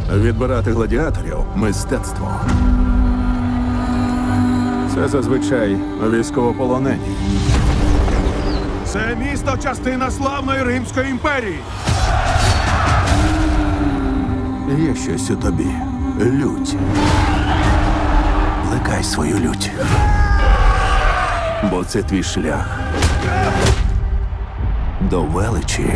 Відбирати гладіаторів – мистецтво. Це зазвичай військовополонені. Це місто – частина славної Римської імперії. Є щось у тобі. Лють. Плекай свою лють. Бо це твій шлях до величі.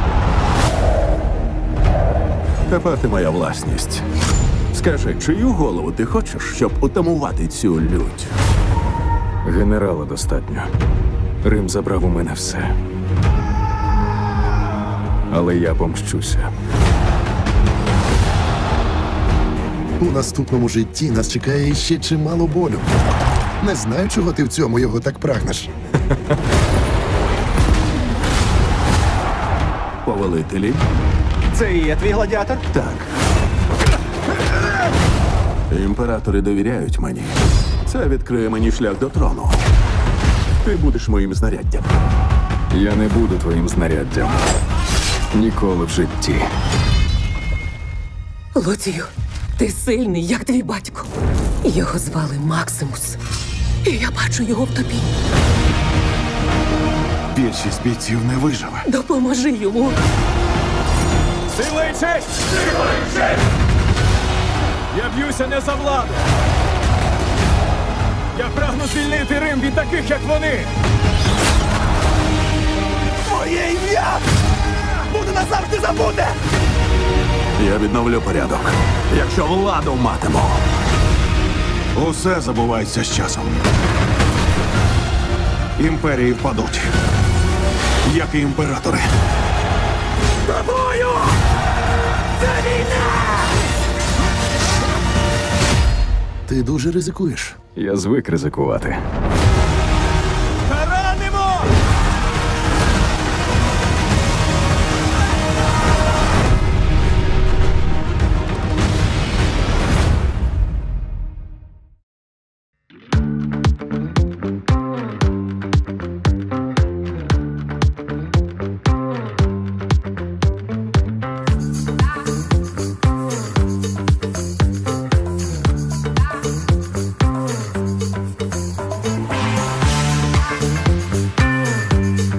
Тепер ти моя власність. Скажи, чию голову ти хочеш, щоб утамувати цю лють? Генерала достатньо. Рим забрав у мене все. Але я помщуся. У наступному житті нас чекає ще чимало болю. Не знаю, чого ти в цьому його так прагнеш. Повелителі? Це і є твій гладіатор? Так. Імператори довіряють мені. Це відкриє мені шлях до трону. Ти будеш моїм знаряддям. Я не буду твоїм знаряддям. Ніколи в житті. Луцію, ти сильний, як твій батько. Його звали Максимус. І я бачу його в тобі. Більшість бійців не виживе. Допоможи йому. Сила і честь! Сила і честь! Я б'юся не за владу. Я прагну звільнити Рим від таких, як вони. Моє ім'я буде назавжди забуде! Я відновлю порядок, якщо владу матиму. Усе забувається з часом. Імперії впадуть, як і імператори. Тобою! Це війна! Ти дуже ризикуєш. Я звик ризикувати.